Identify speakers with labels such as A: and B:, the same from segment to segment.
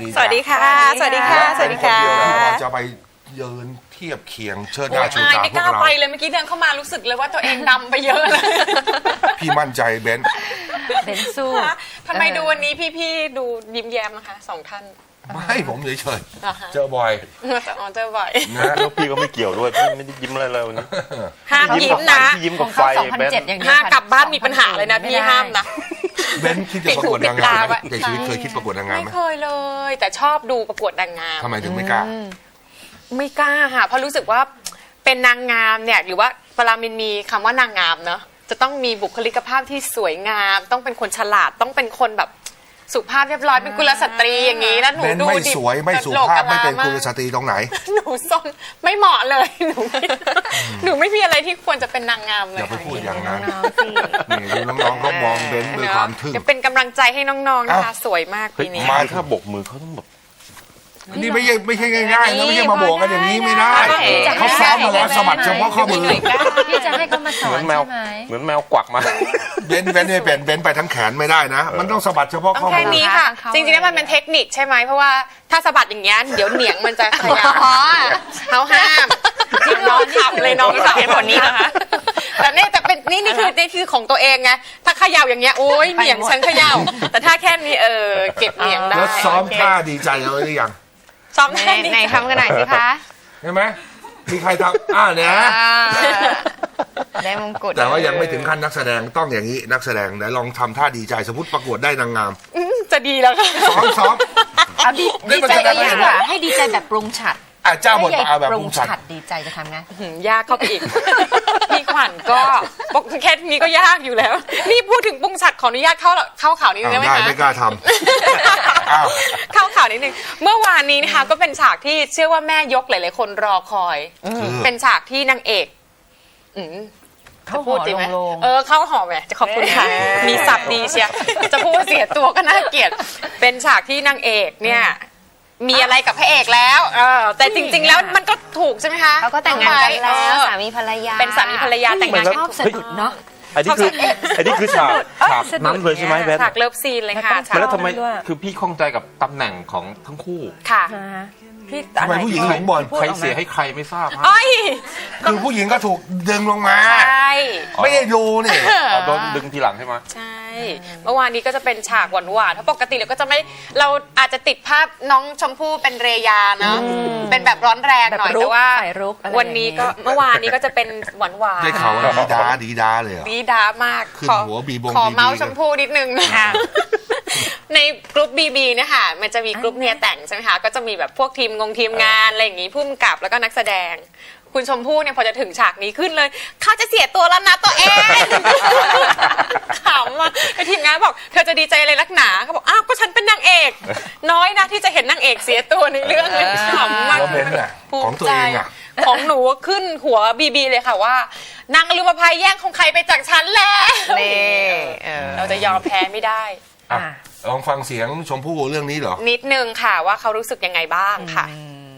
A: สวัสดีค่ะสวัสดีค่ะสวัสดีค่ะ
B: จะไปยืนเทียบเคียงเชิดหน้าชูตาพวกเราไม่
A: กล้าไปเลยเมื่อกี้เดินเข้ามารู้สึกเลยว่าตัวเองดำไปเยอะเลย
B: พี่มั่นใจเบน
A: สู้ทำไมดูวันนี้พี่ๆดูยิ้มแย้มนะคะสองท่าน
B: ไม่ผมเฉยๆเจอบ่อย
A: เจอบ่อย
C: นะแล้วพี่ก็ไม่เกี่ยวด้วยพี่ไม่ได้ยิ้มอะไรเลยวันนี้
A: ห้ามยิ้มนะ
C: ยิ้มกับไฟเบน
A: ห้ามกลับบ้านมีปัญหาเลยนะพี่ห้ามนะ
B: เบนคิดจะประกวดนางงามไหมในชีวิตเคยคิดประกวดนางงามไหม
A: ไม่เคยเลยแต่ชอบดูประกวดนางงาม
B: ทำไมถึงไม่กล้า
A: ค่ะเพราะรู้สึกว่าเป็นนางงามเนี่ยหรือว่าเวลามันมีคำว่านางงามเนอะจะต้องมีบุคลิกภาพที่สวยงามต้องเป็นคนฉลาดต้องเป็นคนแบบสุภาพเรียบร้อยเป็นกุลสตรีอย่างนี้แล้วหนูดู
B: ไม่สวยไม่สุภาพไม่เป็นกุลสตรีตรงไหน
A: หนูซนไม่เหมาะเลยหนูไม่มีอะไรที่ควรจะเป็นนางงามเลย
B: อย่าไปพูดอย่างนั้นนี่ดูน้องๆก็มองเบนด้วยความทึ่ง
A: จะเป็นกำลังใจให้น้องๆนะคะสวยมากปีนี้
C: มาถ้าบกมือเขาต้องแบบ
B: นี่ไม่ใช่ง่ายๆนะไม่ใช่มาโบกกันอย่างนี้ไม่ได้เขาซ้อมมาแล้วสมัครเฉพาะข้อมือ
D: พี่จะให้เขามาสอนใช่ไหม
C: เหมือนแมวกวักมา
B: เบนไม่เป็นเบนไปทั้งแขนไม่ได้นะมันต้องสะบัดเฉพาะข้อมือ
A: แค่นี้ค่ะจริงๆแล้วมันเป็นเทคนิคใช่ไหมเพราะว่าถ้าสะบัดอย่างเงี้ยเดี๋ยวเหนียงมันจะขยับเขาห้ามน้องขับเลยน้องขับผลนี้นะคะแต่นี่คือของตัวเองไงถ้าขย่าอย่างเงี้ยโอ๊ยเหนียงฉันขย่าแต่ถ้าแค่นี้เก็บเหนียงได้
B: แล้วซ้อมท่าดีใจเอาไว้หรือยัง
A: ซ้อมไหนทำกันหน่อยสิคะ
B: ใช่ไหมมีใครทำเนี่ย
A: ได้มงกุฎ
B: แต่ว่ายังไม่ถึงขั้นนักแสดงต้องอย่างนี้นักแสดงไหนลองทำท่าดีใจสมมติประกวดได้นางงาม
A: จะดีแล้วค่ะ
B: ซ้อม
D: เอาดีใจดีกว่าให้ดีใจแบบปรุงฉัด
B: เจ้าบทเอาแบบปรุงฉัด
D: ดีใจจะทำไง
A: ยากเข้าไปอีกพี่ขวัญก็แค่นี้ก็ยากอยู่แล้วนี่พูดถึงปรุงฉัดขออนุญาตเข้าข่าวนิดนึงได้ไหมคะ
B: ไม่กล้าท
A: ำเข้าข่าวนิดนึงเมื่อวานนี้นะคะก็เป็นฉากที่เชื่อว่าแม่ยกหลายๆคนรอคอยเป็นฉากที่นางเอก
D: เขาพูดจริงไหม
A: เข้าหอมจะขอบคุณค่ะมีศัพท์ดีเชียจะพูดเสียตัวก็น่าเกลียดเป็นฉากที่นางเอกเนี่ยมีอะไรกับพระเอกแล้วแต่จริงๆแล้วมันก็ถูกใช่ไหมคะ
D: เขาก็แต่งงานกันแล้วสามีภรรยา
A: เป็นสามีภรรยาแต่งงานกัน
D: ชอบสะดุดเนาะ
C: อันนี้คือฉากนั้นเลยใช่ไหมแบน
A: ฉากเลิฟซีนเลยค่ะ
C: แล้วทำไมคือพี่ข้องใจกับตำแหน่งของทั้งคู่
A: ค่ะ
B: ทำไมผู้หญิงหลงบ่น
C: ใครเสียให้ใครไม่ทราบ
B: คือผู้หญิงก็ถูกดึงลงมา
A: ใช่
B: ไม่ได้ดูนี่
C: โดนดึงทีหลังใช่ไหม
A: ใช่เมื่อวานนี้ก็จะเป็นฉากหวานๆเพราะปกติเราก็จะไม่เราอาจจะติดภาพน้องชมพู่เป็นเรยาเนาะเป็นแบบร้อนแรงหน่อยแต่ว่าวันนี้ก็เมื่อวานนี้ก็จะเป็นหวานๆ
B: ได้ข่าวว่าดีดาเลย
A: ดีดามาก
B: ขึ้นหัวบีบง
A: ขอเมาส์ชมพู่นิดนึงนะคะในกลุ่มบีเนี่ยค่ะมันจะมีกลุ่มเนียแต่งใช่ไหมคะก็จะมีแบบพวกทีมงานอะไรอย่างงี้ผู้กำกับแล้วก็นักแสดงคุณชมพู่เนี่ยพอจะถึงฉากนี้ขึ้นเลยเขาจะเสียตัวแล้วนะตัวเองถามว่าไอทีมงานบอกเธอจะดีใจอะไรนักหนาเขาบอกอ้าวก็ฉันเป็นนางเอกน้อยนะที่จะเห็นนางเอกเสียตัวในเรื่องเลยถามมาก
B: ของตัวเองอ่ะ
A: ของหนูขึ้นหัวบีเลยค่ะว่านางอลุมภัยแย่งของใครไปจากฉันแล้วเราจะยอมแพ้ไม่ได้
B: ลองฟังเสียงชมพู่เรื่องนี้เหรอ
A: นิดนึงค่ะว่าเขารู้สึกยังไงบ้างค่ะ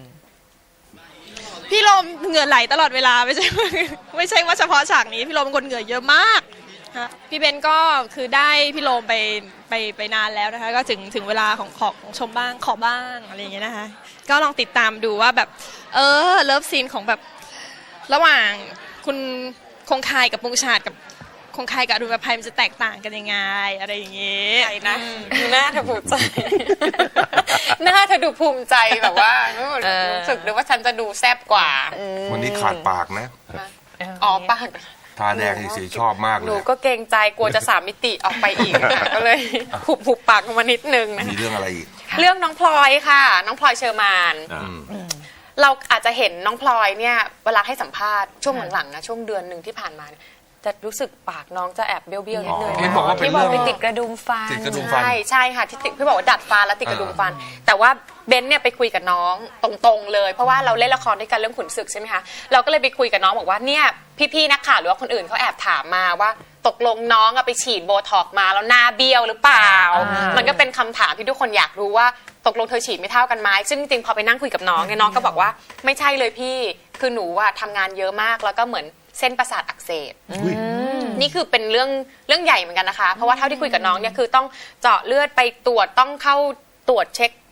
E: พี่ลมเหงื่อไหลตลอดเวลาไม่ใช่ว่าเฉพาะฉากนี้พี่ลมเป็นคนเหงื่อเยอะมากพี่เบนก็คือได้พี่ลมไปนานแล้วนะคะก็ถึงเวลาของชมบ้างขอบ้างอะไรอย่างเงี้ยนะคะก็ลองติดตามดูว่าแบบเลิฟซีนของแบบระหว่างคุณคงคายกับปุงชาติกับคงคายกับอรุณภัยมันจะแตกต่างกันยังไงอะไรอย่างเงี้ย
A: นะหน้าเธอภูมิใจหน้าเธอดูภูมิใจแบบว่ารู้สึกเลยว่าฉันจะดูแซ่บกว่า
B: วันนี้ขาดปากนะ
A: ปาก
B: ทาแดงสีชอบมากเลย
A: หนูก็เกรงใจกลัวจะ3 มิติออกไปอีกก็เลยหุบปากมานิดนึงนะ
B: มีเรื่องอะไรอีก
A: เรื่องน้องพลอยค่ะน้องพลอยเชอร์มานเราอาจจะเห็นน้องพลอยเนี่ยเวลาให้สัมภาษณ์ช่วงหลังๆนะช่วงเดือนหนึ่งที่ผ่านมาจะรู้สึกปากน้องจะแอบเบี้ยวๆนิดนึง
B: ที่บอกว่าเป็นเรื่อง
A: ติดกระดุมฟันใช่ค่ะที่พี่บอกว่าดัดฟันแล้วติดกระดุมฟันแต่ว่าเบนเนี่ยไปคุยกับน้องตรงๆเลยเพราะว่าเราเล่นละครด้วยกันเรื่องขุนศึกใช่ไหมคะเราก็เลยไปคุยกับน้องบอกว่าเนี่ยพี่ๆนักข่าวหรือว่าคนอื่นเขาแอบถามมาว่าตกลงน้องไปฉีดโบท็อกมาแล้วหน้าเบี้ยวหรือเปล่ามันก็เป็นคำถามที่ทุกคนอยากรู้ว่าตกลงเธอฉีดไม่เท่ากันไหมซึ่งจริงๆพอไปนั่งคุยกับน้องเนี่ยน้องก็บอกว่าไม่ใช่เลยพี่คือหนูทำงานเยอะมากแล้วก็เหมือนเส้นประสาทอักเสบนี่คือเป็นเรื่องใหญ่เหมือนกันนะคะเพราะว่าเท่าที่คุยกับน้องเนี่ยคือต้องเจาะเลือดไปตรวจต้องเข้าตรวจเช็ค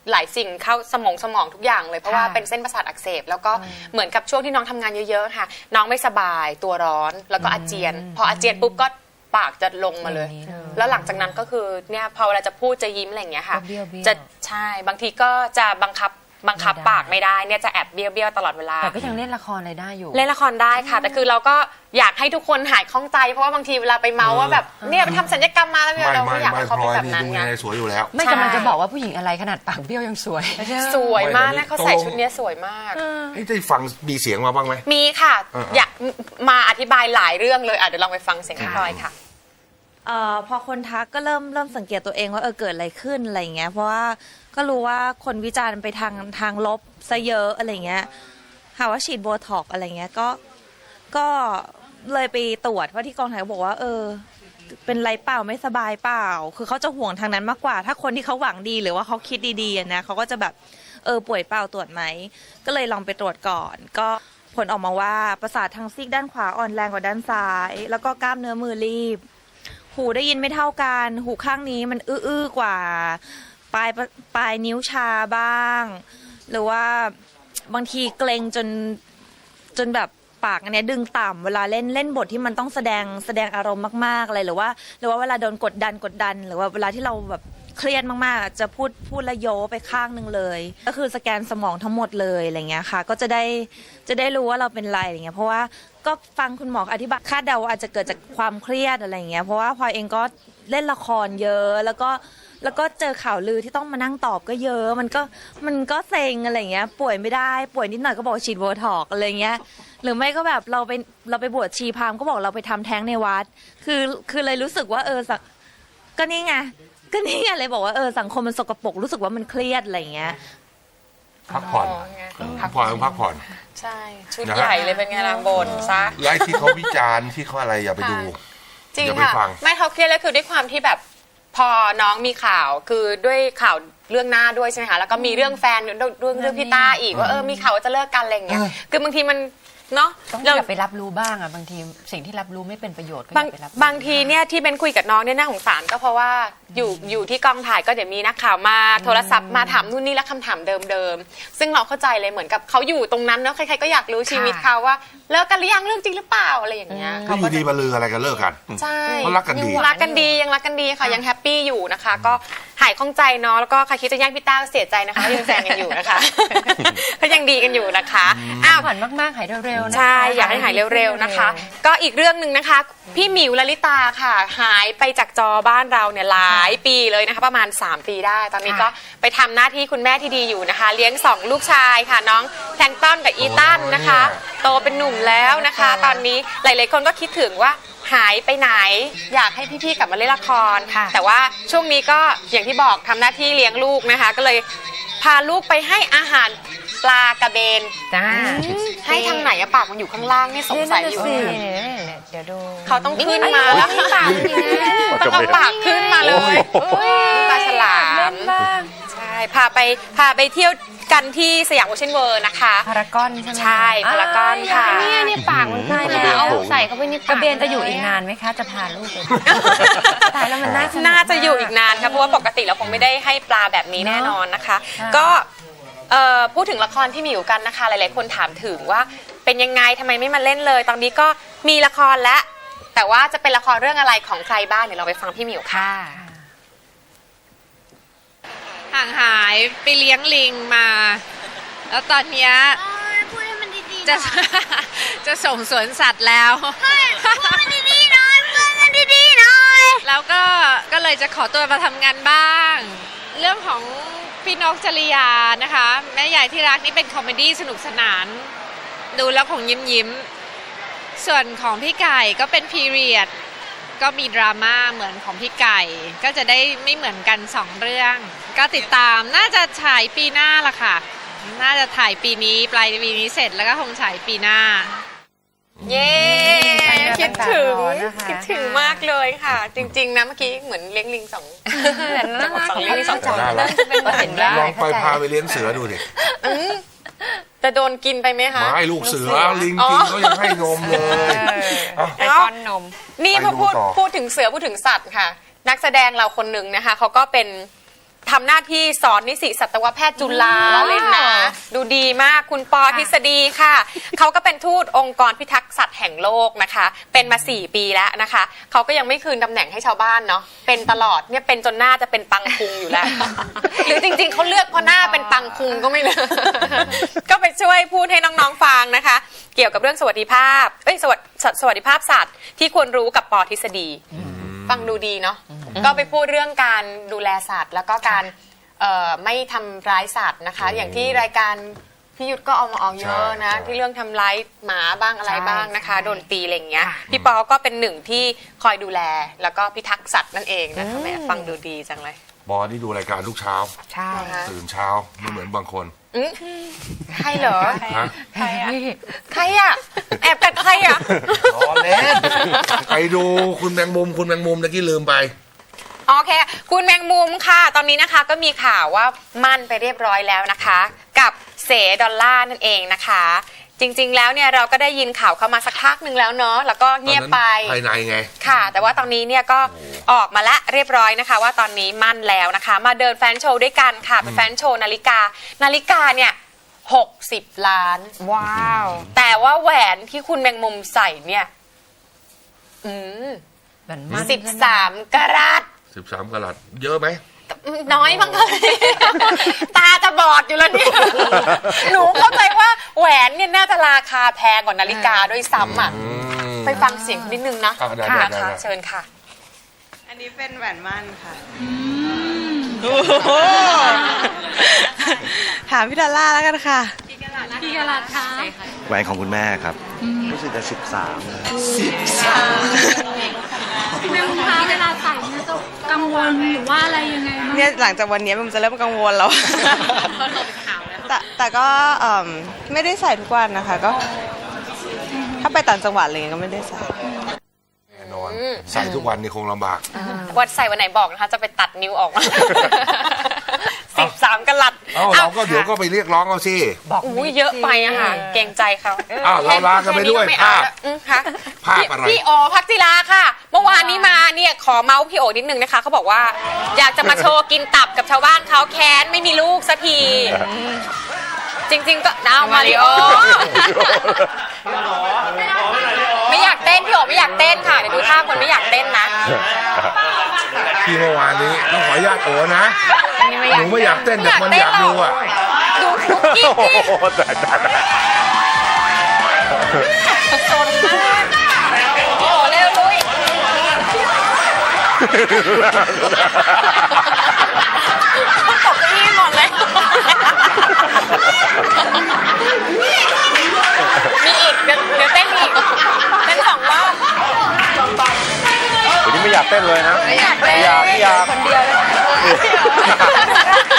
A: หลายสิ่งเข้าสมองทุกอย่างเลยเพราะว่าเป็นเส้นประสาทอักเสบแล้วก็เหมือนกับช่วงที่น้องทำงานเยอะๆค่ะน้องไม่สบายตัวร้อนแล้วก็อาเจียนพออาเจียนปุ๊บก็ปากจะลงมาเลย แล้วหลังจากนั้นก็คือเนี่ยพอเวลาจะพูดจะยิ้มอะไรอย่างเงี้ยค่ะจะใช่บางทีก็จะบังคับปากไม่ได้เนี่ยจะแอบเบี้ยวตลอดเวลา
D: แต่ก็ยังเล่นละครอะไรได้อยู่
A: เล่นละครได้ค่ะแต่คือเราก็อยากให้ทุกคนหายคล่องใจเพราะว่าบางทีเวลาไปเมาว่าแบบเนี่ยไปทำศัลยกรรมมาแล้วเราไม่อยากให้เขาเป็นแบบนั้นไง
B: สวยอยู่แล้ว
D: ไม่กำลังจะบอกว่าผู้หญิงอะไรขนาดปากเบี้ยวยังสวย
A: สวยมากนะเขาใส่ชุดนี้สวยมาก
B: ได้ฟังมีเสียงมาบ้างไหม
A: มีค่ะอยากมาอธิบายหลายเรื่องเลยเดี๋ยวลองไปฟังเสียงพี่พลอยค่ะ
F: พอคนทักก็เริ่มสังเกตตัวเองว่าเกิดอะไรขึ้นอะไรอย่างเงี้ยเพราะว่าก็รู้ว่าคนวิจารณ์ไปทางลบซะเยอะอะไรเงี้ยหาว่าฉีดโบท็อกอะไรเงี้ยก็เลยไปตรวจว่าที่กองถ่ายบอกว่าเป็นไรเปล่าไม่สบายเปล่าคือเขาจะห่วงทางนั้นมากกว่าถ้าคนที่เขาหวังดีหรือว่าเขาคิดดีๆนะเขาก็จะแบบป่วยเปล่าตรวจไหมก็เลยลองไปตรวจก่อนก็ผลออกมาว่าประสาททางซีกด้านขวาอ่อนแรงกว่าด้านซ้ายแล้วก็กล้ามเนื้อมือรีบหูได้ยินไม่เท่ากันหูข้างนี้มันอื้อกว่าปลายนิ้วชาบ้างหรือว่าบางทีเกรงจนแบบปากอันนี้ดึงต่ำเวลาเล่นบทที่มันต้องแสดงอารมณ์มากๆอะไรหรือว่าเวลาโดนกดดันหรือว่าเวลาที่เราแบบเครียดมากๆจะพูดละโยไปข้างนึงเลยก็คือสแกนสมองทั้งหมดเลยอะไรเงี้ยค่ะก็จะได้รู้ว่าเราเป็นไรอะไรเงี้ยเพราะว่าก็ฟังคุณหมออธิบายคาดเดาอาจจะเกิดจากความเครียดอะไรเงี้ยเพราะว่าพลอยเองก็เล่นละครเยอะแล้วก็เจอข่าวลือที่ต้องมานั่งตอบก็เยอะมันก็เซ็งอะไรเงี้ยป่วยไม่ได้ป่วยนิดหน่อยก็บอกฉีดโบท็อกอะไรเงี้ยหรือไม่ก็แบบเราไปบวชชีพราหมณ์ก็บอกเราไปทำแท้งในวัดคือเลยรู้สึกว่าก็นี่ไงเลยบอกว่าสังคมมันสกปรกรู้สึกว่ามันเครียดอะไรเงี้ย
B: พักผ่อนพักผ่อน
A: ใช่ชุดใหญ่เลยเป็นไงล่ะบนซะ
B: ไลฟ์ที่เขาวิจารณ์ที่เขาอะไรอย่าไปดู
A: จริงค่ะไม่เขาเครียดแล้วคือด้วยความที่แบบพอน้องมีข่าวคือด้วยข่าวเรื่องหน้าด้วยใช่ไหมคะแล้วก็มีเรื่องแฟนเรื่องพี่ต้าอีกว่ามีข่าวว่าจะเลิกกันอะไรอย่างเงี้ยคือบางทีมันเนาะ
D: ต้องอย่าไปรับรู้บ้างบางทีสิ่งที่รับรู้ไม่เป็นประโยชน์ก็อย่าไปรั
A: บบางทีเนี่ยที่เป็นคุยกับน้องเนี่ยน่าสงสารก็เพราะว่าอยู่ที่กองถ่ายก็เดี๋ยวมีนักข่าวมาโทรศัพท์มาถามนู่นนี่แล้วคำถามเดิมซึ่งเราเข้าใจเลยเหมือนกับเขาอยู่ตรงนั้นเนาะใครๆก็อยากรู้ชีวิตเขาว่าเลิกกันหรือยังเรื่องจริงหรือเปล่าอะไรอย่างเงี้ย
B: เขาอยู่ดีมาลืออะไรกันเลิกกัน
A: ใช่
B: เขารักกันดี
A: ยังรักกันดีค่ะยังแฮปปี้อยู่นะคะก็หายข้องใจเนาะแล้วก็ใครคิดจะแย่งพี่ต้าเสียใจนะคะยังแซงกันอยู่นะคะเขายังดีกันอยู่นะคะ
D: ผ่อนมากๆหายเร็วๆนะคะ
A: ใช่อยากให้หายเร็วๆนะคะก็อีกเรื่องหนึ่งนะคะพี่หมิวลลิตาค่ะหายไปจากจอบ้านเราเนี่ยหลายปีเลยนะคะประมาณ3 ปีได้ตอนนี้ก็ไปทำหน้าที่คุณแม่ที่ดีอยู่นะคะเลี้ยง2 ลูกชายค่ะน้องแพลงต้อนกับอีตันนะคะโตเป็นหนุ่มแล้วนะคะตอนนี้หลายๆคนก็คิดถึงว่าหายไปไหนอยากให้พี่ๆกลับมาเล่นละครแต่ว่าช่วงนี้ก็อย่างที่บอกทำหน้าที่เลี้ยงลูกนะคะก็เลยพาลูกไปให้อาหารปลากระเบนให้ทางไหนอะปากมันอยู่ข้างล่างนี่สงสัยอยู่
D: เดี๋ยวดู
A: เขาต้องขึ้นมาแล้วต้องเอาปากขึ้นมาเลยปลาฉลามใช่พาไปเที่ยวกันที่สยามโอเชียนเวิลด์นะคะ
D: พารากอนใช่ไหม
A: ใช่พารากอนค่ะ
D: เนี่ยปากมันใช่แล้วเอาใส่เข้าไปในกระเบนจะอยู่อีกนานไหมคะจะพาลูกไปตายแล้วมัน
A: น่าจะอยู่อีกนานค่ะเพราะว่าปกติเราคงไม่ได้ให้ปลาแบบนี้แน่นอนนะคะก็พูดถึงละครพี่หมิวกันนะคะหลายๆคนถามถึงว่าเป็นยังไงทำไมไม่มาเล่นเลยตอนนี้ก็มีละครแล้วแต่ว่าจะเป็นละครเรื่องอะไรของใครบ้างเดี๋ยวเราไปฟังพี่หมิวค่ะ
G: ห่างหายไปเลี้ยงลิงมาแล้วตอนนี้จะส่งสวนสัตว์แล้วพูดมันดีๆหน่อยพูดมันดีๆหน่อยแล้วก็เลยจะขอตัวมาทำงานบ้างเรื่องของพี่นกจริยานะคะแม่ใหญ่ที่รักนี่เป็นคอมเมดี้สนุกสนานดูแล้วคงยิ้มส่วนของพี่ไก่ก็เป็นพีเรียดก็มีดราม่าเหมือนของพี่ไก่ก็จะได้ไม่เหมือนกัน2 เรื่องก็ติดตามน่าจะฉายปีหน้าละค่ะน่าจะถ่ายปีนี้ปลายปีนี้เสร็จแล้วก็คงฉายปีหน้า
A: เย้คิดถึงมากเลยค่ะจริงๆนะเมื่อกี้เหมือนเลี้ยงลิง2 ลิง2
B: ลองไปพาไปเลี้ยงเสือดูดิ
A: จะโดนกินไปไหมคะ
B: ไม่ลูกเสือลิงกินเขายังให้นมเลย
A: ไอคอนนมนี่พอพูดถึงเสือพูดถึงสัตว์ค่ะนักแสดงเราคนหนึ่งนะคะเขาก็เป็นทำหน้าที่สอนนิสิตสัตวแพทย์จุฬาเลยนะ ดูดีมากคุณปอทฤษฎีค่ะ เขาก็เป็นทูตองค์กรพิทักษ์สัตว์แห่งโลกนะคะ เป็นมา4 ปีแล้วนะคะเขาก็ยังไม่คืนตำแหน่งให้ชาวบ้านเนาะเป็นตลอดเนี่ยเป็นจนหน้าจะเป็นปังคุงอยู่แล้ว หรือจริงๆเขาเลือกเพราะหน้าเป็นปังคุงก็ไม่รู้ ก็ไปช่วยพูดให้น้องๆฟังนะคะ เกี่ยวกับเรื่องสวัสดิภาพสวัสดิภาพสัตว์ที่ควรรู้กับปอทฤษฎีฟังดูดีเนาะก็ไปพูดเรื่องการดูแลสัตว์แล้วก็การไม่ทำร้ายสัตว์นะคะ อย่างที่รายการพี่ยุทธก็เอามาออกเยอะนะที่เรื่องทำร้ายหมาบ้างอะไรบ้างนะคะโดนตีอะไรอย่างเงี้ยพี่ปอก็เป็นหนึ่งที่คอยดูแลแล้วก็พิทักษ์สัตว์นั่นเองนะคะแม่ฟังดูดีจังเลย
B: บอที่ดูรายการทุกเช้า
D: ใช่
B: ตื่นเช้าไม่เหมือนบางคน
A: ใครเหรอ
B: ฮะ
A: ใครอะแอบกัดใครอะ
B: ล้อเล่นไปดูคุณแมงมุมตะกี้ลืมไป
A: โอเคคุณแมงมุมค่ะตอนนี้นะคะก็มีข่าวว่ามั่นไปเรียบร้อยแล้วนะคะ กับเสดอลล่านั่นเองนะคะ จริงๆแล้วเนี่ยเราก็ได้ยินข่าวเข้ามาสักพักหนึ่งแล้วเนาะแล้วก็เงียบไป
B: ภายในไง
A: ค่ะ แต่ว่าตอนนี้เนี่ยก็ออกมาละเรียบร้อยนะคะ ว่าตอนนี้มั่นแล้วนะคะ มาเดินแฟนโชว์ด้วยกันค่ะเป็นแฟนโชว์นาฬิกาเนี่ย60 ล้าน
D: ว้าว
A: แต่ว่าแหวนที่คุณแมงมุมใส่เนี่ย
D: เหมือนมัน
A: 13 กะรัต
B: 13 กะรัตเยอะไหม
A: น้อยมั้งเลยตาจะบอดอยู่แล้วเนี่ยหนูเข้าใจว่าแหวนเนี่ยน่าจะราคาแพงกว่านาฬิกาด้วยซ้ำอ่ะไปฟังเสียงนิดนึงนะ
B: ได้
A: ค่ะเชิญค่ะ
H: อันนี้เป็นแหวนมั่นค่ะถามพี่ดอลล่าแล้วกันค่ะ
C: แหวนของคุณแม่ครับรู้สึกจะ13นะ
I: แม่คุณคะเวลาใส่เนี่ยจะกังวลหรือว่าอะไรยังไงบ้าง
H: เนี่ยหลังจากวันนี้มันจะเริ่มกังวลแล้ว แต่ก็ไม่ได้ใส่ทุกวันนะคะ ก็ ถ้าไปต่างจังหวัดอะไรเงี้ยก็ไม่ได้ใส่
B: แน่นอนใส่ทุกวันนี่คงลำบาก
A: วันใส่วันไหนบอกนะคะ จะไปตัดนิ้วออกมา 13 กะรัต
B: เราก็เดี๋ยวก็ไปเรียกร้องเอาสิ
A: อุ้ยเยอะไปอะค่ะเกรงใจเขา
B: เราลากันไปด้วย
A: แค่นี้ก็ไม่เอาแล้วค่ะ
B: ภาพอะไร
A: พี่โอพักจิราค่ะ เมื่อวานนี้มาเนี่ยขอเมาส์พี่โอนิดนึงนะคะเขาบอกว่าอยากจะมาโชว์กินตับกับชาวบ้านเขาแค้นไม่มีลูกสักที จริงๆก็เอามาริโอไม่อยากเต้นพี่โอไม่อยากเต้นค่ะเดี๋ยวดูท่าคนไม่อยากเต้นนะ
B: ที่เมื่อวานนี้ต้องขออนุญาตโอนะหนูไม่อยากเต้นแต่มันอยากดูอ่ะ
A: ดูกิ๊กดิสนมากโอ้เร็วลุยตกที่หมดเลยมีอีกเดี๋ยวเต้นอีกเต้น2 รอบ
C: วันนี้ไม่อยากเต้นเลยนะ
A: ไม่อยากเต้น
C: อยาก
D: คนเดียวเลย